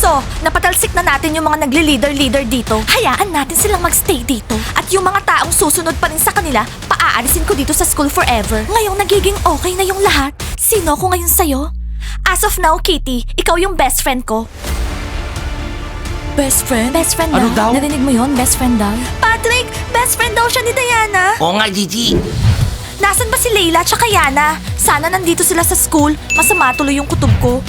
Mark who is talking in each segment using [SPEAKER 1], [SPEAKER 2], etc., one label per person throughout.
[SPEAKER 1] So, napatalsik na natin yung mga nagle-leader dito. Hayaan natin silang magstay dito. At yung mga taong susunod pa rin sa kanila, paaalisin ko dito sa school forever. Ngayong nagiging okay na yung lahat, sino ko ngayon sa'yo? As of now, Kitty, ikaw yung best friend ko. Best friend? Best friend
[SPEAKER 2] Ano daw?
[SPEAKER 1] Narinig mo yon, best friend daw? Patrick, best friend daw siya ni Diana.
[SPEAKER 2] Oo nga, Gigi.
[SPEAKER 1] Nasaan ba si Layla tsaka Yana? Sana nandito sila sa school. Masama tuloy yung kutob ko.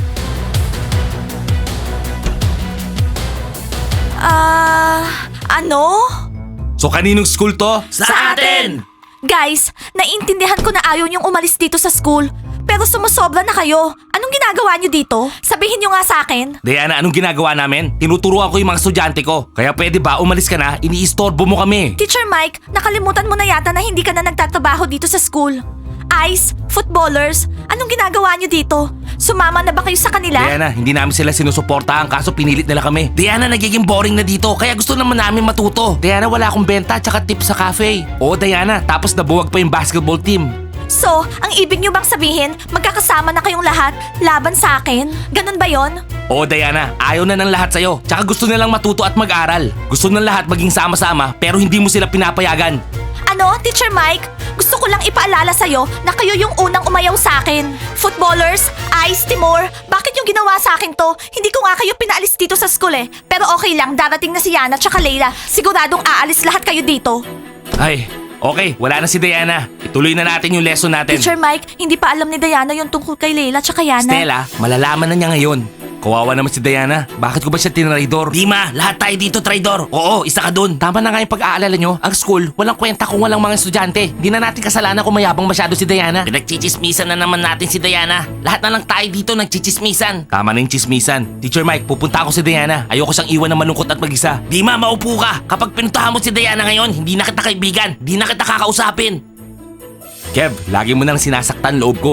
[SPEAKER 1] Ano?
[SPEAKER 2] So kaninong school to?
[SPEAKER 1] Sa atin! Guys, naiintindihan ko na ayaw niyong umalis dito sa school. Pero sumusobra na kayo. Anong ginagawa niyo dito? Sabihin niyo nga sa akin.
[SPEAKER 2] Diana, anong ginagawa namin? Tinuturuan ko yung mga estudyante ko. Kaya pwede ba umalis ka na? Iniistorbo mo kami.
[SPEAKER 1] Teacher Mike, nakalimutan mo na yata na hindi ka na nagtatrabaho dito sa school. Ice, footballers, anong ginagawa niyo dito? Sumama na ba kayo sa kanila?
[SPEAKER 2] Diana, hindi namin sila sinusuportahan kaso pinilit nila kami. Diana, nagiging boring na dito kaya gusto naman namin matuto. Diana, wala akong benta tsaka tip sa cafe. Oo, Diana, tapos nabuwag pa yung basketball team.
[SPEAKER 1] So, ang ibig niyo bang sabihin, magkakasama na kayong lahat laban sa akin? Ganun ba yon?
[SPEAKER 2] Oo, Diana, ayaw na ng lahat sa'yo. Tsaka gusto nilang matuto at mag-aral. Gusto ng lahat maging sama-sama pero hindi mo sila pinapayagan.
[SPEAKER 1] Ano, Teacher Mike? Gusto ko lang ipaalala sa'yo na kayo yung unang umayaw sa akin. Footballers, Ice, Timur, bakit yung ginawa sa akin to? Hindi ko nga kayo pinaalis dito sa school eh. Pero okay lang, darating na si Yana tsaka Layla. Siguradong aalis lahat kayo dito.
[SPEAKER 2] Ay, okay, wala na si Diana. Ituloy na natin yung lesson natin.
[SPEAKER 1] Teacher Mike, hindi pa alam ni Diana yung tungkol kay Layla tsaka Yana.
[SPEAKER 2] Stella, malalaman na niya ngayon. Kawawa naman si Diana. Bakit ko ba siya tinraidor? Dima, lahat tayo dito traidor. Oo, isa ka dun. Tama na nga yung pag-aalala nyo. Ang school, walang kwenta kung walang mga estudyante. Di na natin kasalanan kung mayabang masyado si Diana. Pinagchichismisan na naman natin si Diana. Lahat na lang tayo dito nagchichismisan. Tama na yung chismisan. Teacher Mike, pupunta ako si Diana. Ayoko siyang iwan na malungkot at mag-isa. Dima, maupo ka. Kapag pinuntahan mo si Diana ngayon, hindi na kita kaibigan. Hindi na kita kakausapin. Kev, lagi mo nang sinasaktan loob ko.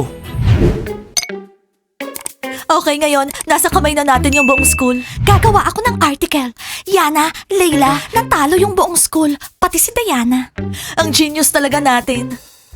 [SPEAKER 1] Okay, ngayon, nasa kamay na natin yung buong school. Gagawa ako ng article. Yana, Layla, natalo yung buong school. Pati si Diana. Ang genius talaga natin.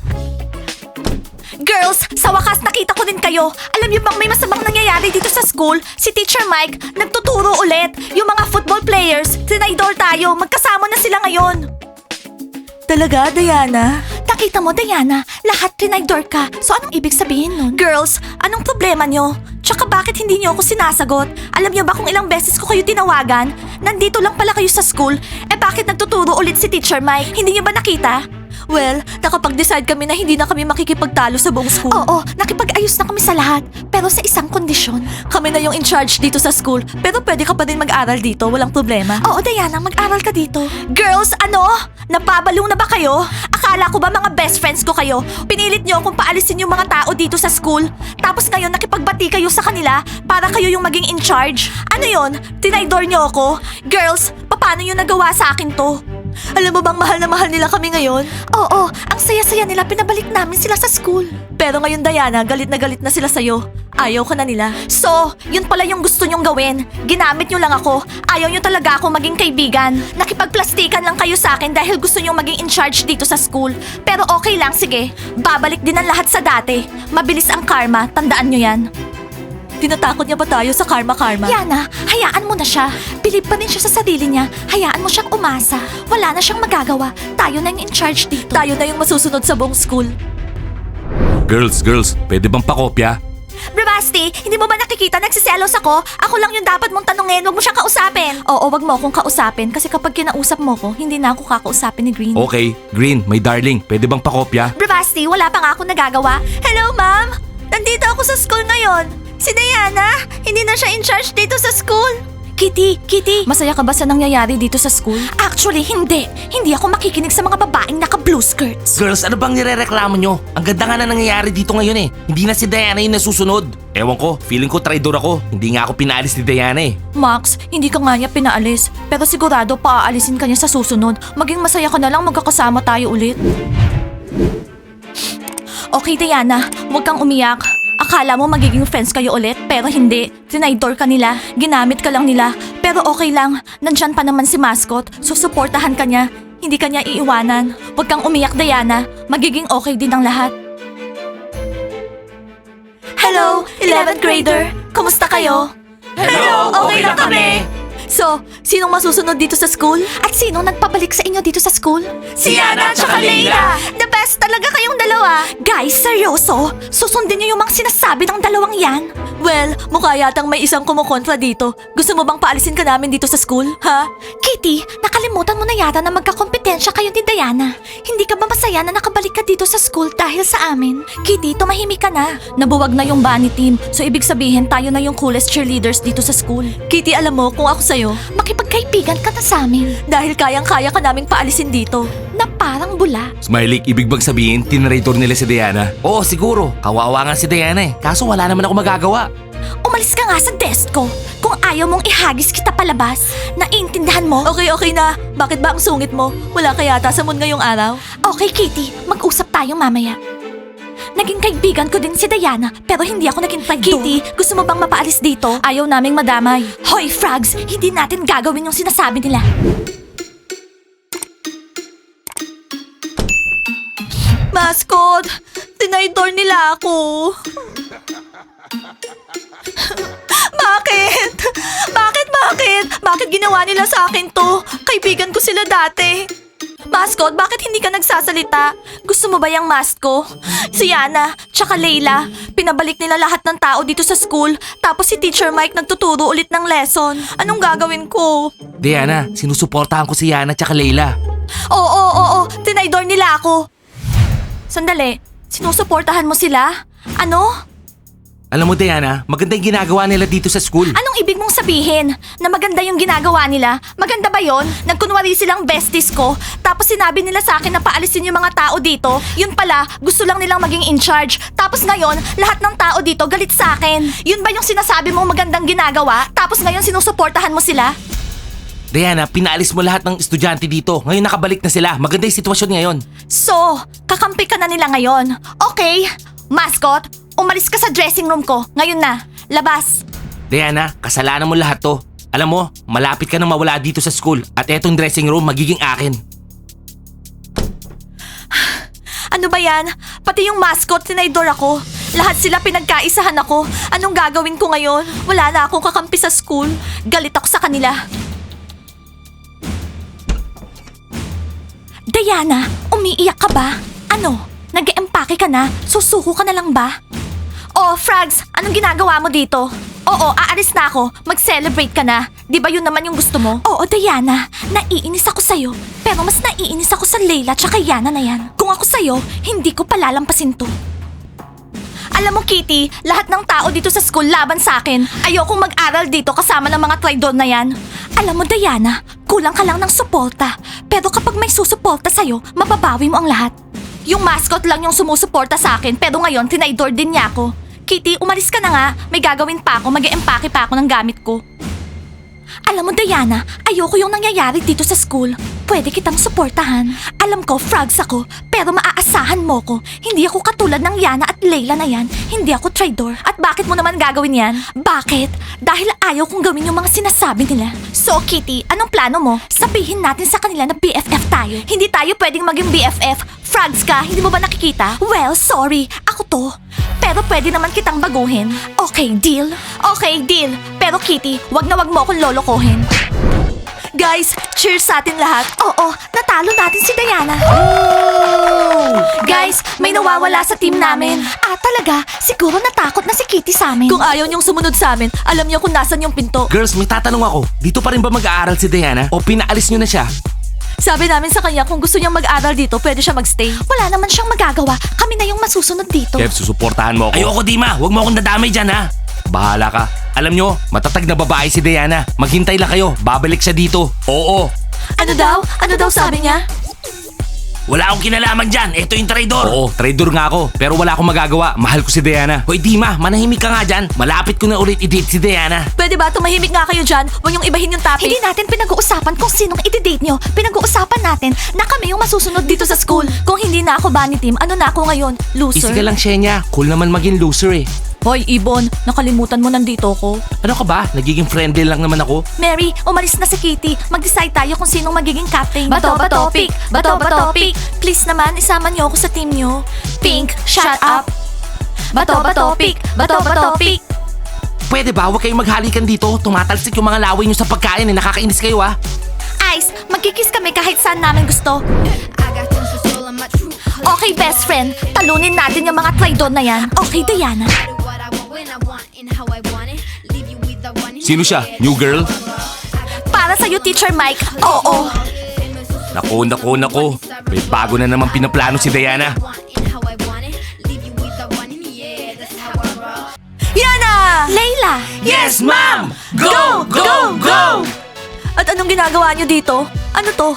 [SPEAKER 1] Girls, sa wakas nakita ko din kayo. Alam niyo bang may masamang nangyayari dito sa school? Si Teacher Mike, nagtuturo ulit. Yung mga football players, tinaydor tayo. Magkasama na sila ngayon. Talaga, Diana? Nakita mo, Diana, lahat tinaydor ka. So anong ibig sabihin nun? Girls, anong problema nyo? Tsaka bakit hindi nyo ako sinasagot? Alam nyo ba kung ilang beses ko kayo tinawagan? Nandito lang pala kayo sa school. Eh bakit nagtuturo ulit si Teacher Mike? Hindi nyo ba nakita? Well, nakapag-decide kami na hindi na kami makikipagtalo sa buong school. Oo, nakipag-ayos na kami sa lahat. Pero sa isang kondisyon. Kami na yung in charge dito sa school. Pero pwede ka pa din mag-aral dito, walang problema. Oo, Diana, mag-aral ka dito. Girls, ano? Napabaliw na ba kayo? Akala ko ba mga best friends ko kayo? Pinilit nyo kung paalisin yung mga tao dito sa school. Tapos ngayon nakipagbati kayo sa kanila para kayo yung maging in charge. Ano yon? Tinaydor nyo ako? Girls, paano nyo nagawa sa akin to? Alam mo bang mahal na mahal nila kami ngayon? Oo, ang saya-saya nila, pinabalik namin sila sa school. Pero ngayon, Diana, galit na sila sa'yo. Ayaw ka na nila. So, yun pala yung gusto nyong gawin. Ginamit nyo lang ako. Ayaw nyo talaga ako maging kaibigan. Nakipagplastikan lang kayo sa akin dahil gusto nyong maging in charge dito sa school. Pero okay lang, sige. Babalik din ang lahat sa dati. Mabilis ang karma, tandaan nyo yan. Tinatakot niya ba tayo sa karma-karma? Yana, hayaan mo na siya. Believe pa rin siya sa sarili niya. Hayaan mo siyang umasa. Wala na siyang magagawa. Tayo na yung in charge dito. Tayo na yung masusunod sa buong school.
[SPEAKER 2] Girls, pwede bang pakopya?
[SPEAKER 1] Bravasti, hindi mo ba nakikita nagsiselos ako? Ako lang yung dapat mong tanungin, wag mo siyang kausapin. Oo, wag mo akong kausapin kasi kapag kinausap mo ko, hindi na ako kakausapin ni Green.
[SPEAKER 2] Okay, Green, my darling, pwede bang pakopya?
[SPEAKER 1] Bravasti, wala pa nga akong nagagawa. Hello, ma'am! Nandito ako sa school ngayon. Si Diana, hindi na siya in charge dito sa school. Kitty, masaya ka ba sa nangyayari dito sa school? Actually, hindi. Hindi ako makikinig sa mga babaeng naka-blue skirts.
[SPEAKER 2] Girls, ano bang nirereklamo nyo? Ang ganda nga na nangyayari dito ngayon eh. Hindi na si Diana yung nasusunod. Ewan ko, feeling ko traidor ako. Hindi nga ako pinaalis ni Diana eh.
[SPEAKER 1] Max, hindi ka nga niya pinaalis. Pero sigurado paaalisin ka niya sa susunod. Maging masaya ka na lang magkakasama tayo ulit. Okay, Diana, huwag kang umiyak. Akala mo magiging friends kayo ulit, pero hindi. Tinaydor ka nila, ginamit ka lang nila. Pero okay lang, nandyan pa naman si Mascot, susuportahan ka niya. Hindi ka niya iiwanan. Huwag kang umiyak, Diana. Magiging okay din ang lahat. Hello, 11th grader. Kumusta kayo?
[SPEAKER 2] Hello, okay lang kami.
[SPEAKER 1] kami! So, sinong masusunod dito sa school? At sinong nagpabalik sa inyo dito sa school?
[SPEAKER 2] Si Yana at saka Leila.
[SPEAKER 1] The best talaga kayong dalawa! Guys, seryoso? Susundin niyo yung mga sinasabi ng dalawang yan? Well, mukha yatang may isang kumukontra dito. Gusto mo bang paalisin ka namin dito sa school? Ha? Kitty, nakalimutan mo na yata na magkakompetensya kayo ni Diana. Hindi ka ba masaya na nakabalik ka dito sa school dahil sa amin? Kitty, tumahimik ka na. Nabuwag na yung bunny team, so ibig sabihin tayo na yung coolest cheerleaders dito sa school. Kitty, alam mo, kung ako sa'yo, makipagkaibigan ka na sa amin. Dahil kayang-kaya ka naming paalisin dito. Na parang bula.
[SPEAKER 2] Smiley, ibig bang sabihin, tinrator nila si Diana? Oo, siguro. Kawawa nga si Diana eh. Kaso wala naman ako magagawa.
[SPEAKER 1] Umalis ka nga sa desk ko. Kung ayaw mong ihagis kita palabas, naiintindihan mo? Okay na. Bakit ba ang sungit mo? Wala ka yata sa mood ngayong araw? Okay, Kitty. Mag-usap tayo mamaya. Naging kaibigan ko din si Diana, pero hindi ako naging friend doon. Kitty, gusto mo bang mapaalis dito? Ayaw naming madamay. Hoy, Frogs! Hindi natin gagawin yung sinasabi nila. Mascot! Tinaydor nila ako. Bakit? Bakit ginawa nila sa akin to? Kaibigan ko sila dati. Mascot, bakit hindi ka nagsasalita? Gusto mo ba yung mask ko? Si Yana, tsaka Leila, pinabalik nila lahat ng tao dito sa school. Tapos si Teacher Mike nagtuturo ulit ng lesson. Anong gagawin ko?
[SPEAKER 2] Diana, sinusuportahan ko si Yana at saka Leila.
[SPEAKER 1] Oo. Tinaydor nila ako. Sandali, sinusuportahan mo sila? Ano?
[SPEAKER 2] Alam mo Diana, maganda yung ginagawa nila dito sa school.
[SPEAKER 1] Anong ibig mong sabihin? Na maganda yung ginagawa nila? Maganda ba yon? Nagkunwari silang besties ko, tapos sinabi nila sa akin na paalisin yung mga tao dito. Yun pala, gusto lang nilang maging in charge. Tapos ngayon, lahat ng tao dito galit sa akin. Yun ba yung sinasabi mong magandang ginagawa? Tapos ngayon sinusuportahan mo sila?
[SPEAKER 2] Diana, pinaalis mo lahat ng estudyante dito. Ngayon nakabalik na sila. Maganda yung sitwasyon ngayon.
[SPEAKER 1] So, kakampi ka na nila ngayon. Okay, mascot, umalis ka sa dressing room ko. Ngayon na, labas.
[SPEAKER 2] Diana, kasalanan mo lahat to. Alam mo, malapit ka na mawala dito sa school. At etong dressing room magiging akin.
[SPEAKER 1] Ano ba yan? Pati yung mascot, tinaydor ako. Lahat sila pinagkaisahan ako. Anong gagawin ko ngayon? Wala na akong kakampi sa school. Galit ako sa kanila. Diana, umiiyak ka ba? Ano? Nag-eempake ka na? Susuko ka na lang ba? Oh, Frogs, anong ginagawa mo dito? Oo, aalis na ako. Mag-celebrate ka na. Di ba yun naman yung gusto mo? Oo, Diana. Naiinis ako sa'yo. Pero mas naiinis ako sa Leila tsaka Yana na yan. Kung ako sa'yo, hindi ko palalampasin to. Alam mo, Kitty, lahat ng tao dito sa school laban sa akin. Ayokong mag-aral dito kasama ng mga traidor na yan. Alam mo, Diana, kulang ka lang ng suporta. Pero kapag may susuporta sa'yo, mababawi mo ang lahat. Yung mascot lang yung sumusuporta sa akin, pero ngayon tinaydor din niya ako. Kitty, umalis ka na nga. May gagawin pa ako, mag-eempake pa ako ng gamit ko. Alam mo, Diana, ayoko yung nangyayari dito sa school. Pwede kitang suportahan. Alam ko, Frogs ako, pero maaasahan mo ko. Hindi ako katulad ng Yana at Leila na yan. Hindi ako traidor. At bakit mo naman gagawin yan? Bakit? Dahil ayaw kong gawin yung mga sinasabi nila. So, Kitty, anong plano mo? Sabihin natin sa kanila na BFF tayo. Hindi tayo pwedeng maging BFF. Frogs ka, hindi mo ba nakikita? Well, sorry. Ako to. Pero pwede naman kitang baguhin. Okay, deal? Okay, deal. Pero Kitty, wag na wag mo akong lolokohin. Guys, cheers sa atin lahat. Oo, natalo natin si Diana. Guys, may nawawala sa team namin. Ah, talaga? Siguro natakot na si Kitty sa amin. Kung ayaw niyong sumunod sa amin, alam niyo kung nasan yung pinto.
[SPEAKER 2] Girls, may tatanong ako. Dito pa rin ba mag-aaral si Diana? O pinaalis nyo na siya?
[SPEAKER 1] Sabi namin sa kanya kung gusto niyang mag-aral dito, pwede siya magstay. Wala naman siyang magagawa. Kami na yung masusunod dito.
[SPEAKER 2] Kev, susuportahan mo ako. Ayoko, Dima. Huwag mo akong dadamay dyan, ha? Bahala ka. Alam nyo, matatag na babae si Diana. Maghintay lang kayo. Babalik siya dito. Oo.
[SPEAKER 1] Ano daw? Ano daw sabi niya?
[SPEAKER 2] Wala akong kinalaman dyan. Ito yung traidor. Oo, traidor nga ako. Pero wala akong magagawa. Mahal ko si Diana. Hoy, Dima, manahimik ka nga dyan. Malapit ko na ulit i-date si Diana.
[SPEAKER 1] Pwede ba tumahimik nga kayo dyan? Huwag niyong ibahin yung topic. Hindi natin pinag-uusapan kung sinong i-date niyo. Pinag-uusapan natin na kami yung masusunod dito sa school. Kung hindi na ako bunny team, ano na ako ngayon? Loser?
[SPEAKER 2] Easy ka lang, Shenya. Cool naman maging loser eh.
[SPEAKER 1] Hoy, Ibon, nakalimutan mo nandito ko.
[SPEAKER 2] Ano ka ba? Nagiging friendly lang naman ako.
[SPEAKER 1] Mary, umalis na si Kitty. Mag-decide tayo kung sinong magiging captain. Bato, pick. Bato, pick. Please naman, isama niyo ako sa team niyo. Pink, shut up. Bato, pick. Bato, pick.
[SPEAKER 2] pwede ba? Huwag kayong maghalikan dito. Tumatalsik yung mga laway nyo sa pagkain eh. Nakakainis kayo ah.
[SPEAKER 1] Ice, magkikiss kami kahit saan namin gusto.
[SPEAKER 3] I got tons of soul on my true colors.
[SPEAKER 1] Okay, best friend. Talunin natin yung mga traidor na yan. Okay, Diana.
[SPEAKER 3] Do what I want when I want and how I want it. Leave you with the one in
[SPEAKER 2] Sino siya?
[SPEAKER 3] your head.
[SPEAKER 2] New girl?
[SPEAKER 1] Para sa'yo, Teacher Mike. Oo.
[SPEAKER 2] Nako. May bago na naman pinaplano si Diana.
[SPEAKER 3] Want and how I want it. Leave you with the one in the air. That's how I roll.
[SPEAKER 1] Yana! Layla!
[SPEAKER 2] Yes, ma'am! Go! Go! Go!
[SPEAKER 1] At anong ginagawa niyo dito? Ano to?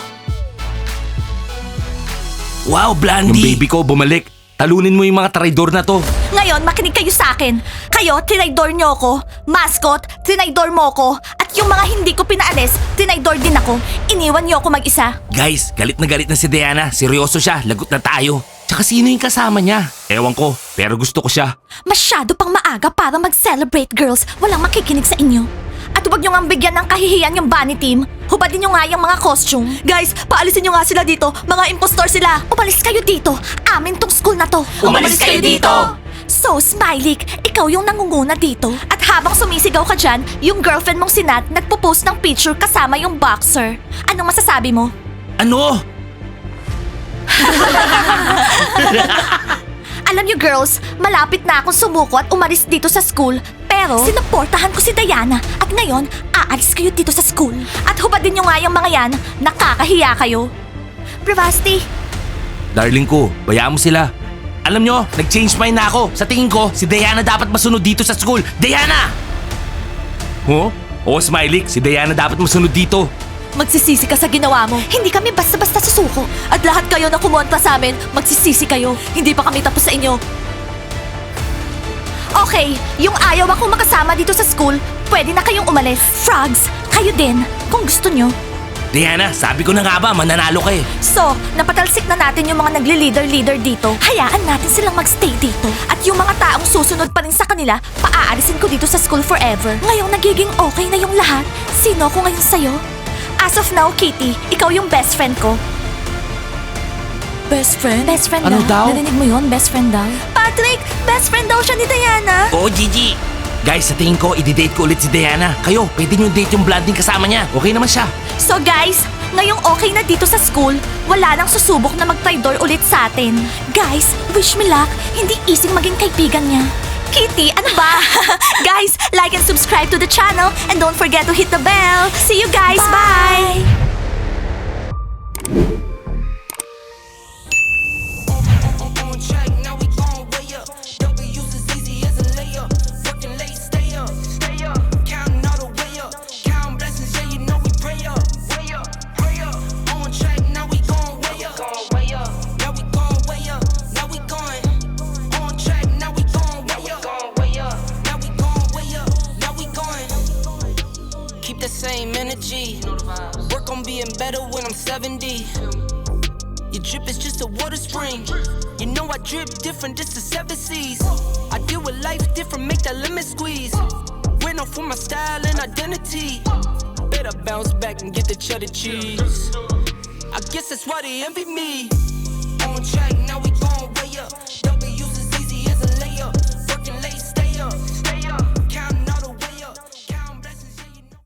[SPEAKER 2] Wow, Blandy! Yung baby ko bumalik. Talunin mo yung mga traidor na to.
[SPEAKER 1] Ngayon, makinig kayo sa akin. Kayo, tinaydor niyo ako. Mascot, tinaydor mo ko. At yung mga hindi ko pinaalis, tinaydor din ako. Iniwan niyo ako mag-isa.
[SPEAKER 2] Guys, galit na si Diana. Seryoso siya, lagot na tayo. Tsaka sino yung kasama niya? Ewan ko, pero gusto ko siya.
[SPEAKER 1] Masyado pang maaga para mag-celebrate, girls. Walang makikinig sa inyo. At huwag nyo nga bigyan ng kahihiyan yung bunny team. Hubadin nyo nga yung mga costume. Guys, paalisin nyo nga sila dito. Mga impostor sila. Umalis kayo dito. Amin tong school na to.
[SPEAKER 2] Umalis kayo dito!
[SPEAKER 1] So, Smiley, ikaw yung nangunguna dito. At habang sumisigaw ka dyan, yung girlfriend mong si Nat nagpo-post ng picture kasama yung boxer. Anong masasabi mo?
[SPEAKER 2] Ano?
[SPEAKER 1] Alam niyo girls, malapit na akong sumuko at umalis dito sa school. Pero, sinuportahan ko si Diana at ngayon, aalis kayo dito sa school. At hubadin niyo nga yung mga yan, nakakahiya kayo. Bravasti,
[SPEAKER 2] Darling ko, bayaan mo sila. Alam nyo, nag-change mind na ako. Sa tingin ko, si Diana dapat masunod dito sa school. Diana! Huh? Oo, Smiley, si Diana dapat masunod dito.
[SPEAKER 1] magsisisi ka sa ginawa mo. Hindi kami basta-basta susuko. At lahat kayo na kumontra sa amin, magsisisi kayo. Hindi pa kami tapos sa inyo. Okay, yung ayaw akong makasama dito sa school, pwede na kayong umalis. Frogs, kayo din, kung gusto nyo.
[SPEAKER 2] Diana, sabi ko na nga ba, mananalo ka eh.
[SPEAKER 1] So, napatalsik na natin yung mga nagli-leader-leader dito. Hayaan natin silang magstay dito. At yung mga taong susunod pa rin sa kanila, paaalisin ko dito sa school forever. Ngayong nagiging okay na yung lahat, sino ko ngayon sa'yo? As of now, Kitty, ikaw yung best friend ko. Best friend? Best friend
[SPEAKER 2] Ano daw?
[SPEAKER 1] Narinig mo yun? Best friend daw? Patrick, best friend daw siya ni Diana.
[SPEAKER 2] Oo, Gigi. Guys, sa tingin ko, i-date ko ulit si Diana. Kayo, pwede nyo date yung blonding kasama niya. Okay naman siya.
[SPEAKER 1] So guys, ngayong okay na dito sa school, wala nang susubok na mag-traitor ulit sa atin. Guys, wish me luck. Hindi easy maging kaibigan niya. Kitty, ano ba? Guys, like and subscribe to the channel and don't forget to hit the bell. See you guys. Bye.
[SPEAKER 4] On track, now we gon' way up. W's as easy as a layup. Working late, stay up, stay up. Counting all the way up. Counting blessings, yeah, you know we pray up, way up, pray up. On track, now we gon' way up, way up. Now we gon' way up, now we going. On track, now we gon' way up, way up. Now we gon' way up, now we going. Keep the same energy. Work on being better when I'm 70. Your drip is just a water spring. You know I drip different, this the 7 C's. I deal with life different, make that lemon squeeze. Went off for my style and identity. Better bounce back and get the cheddar cheese. I guess that's why they envy me. On track, now we gon' way up.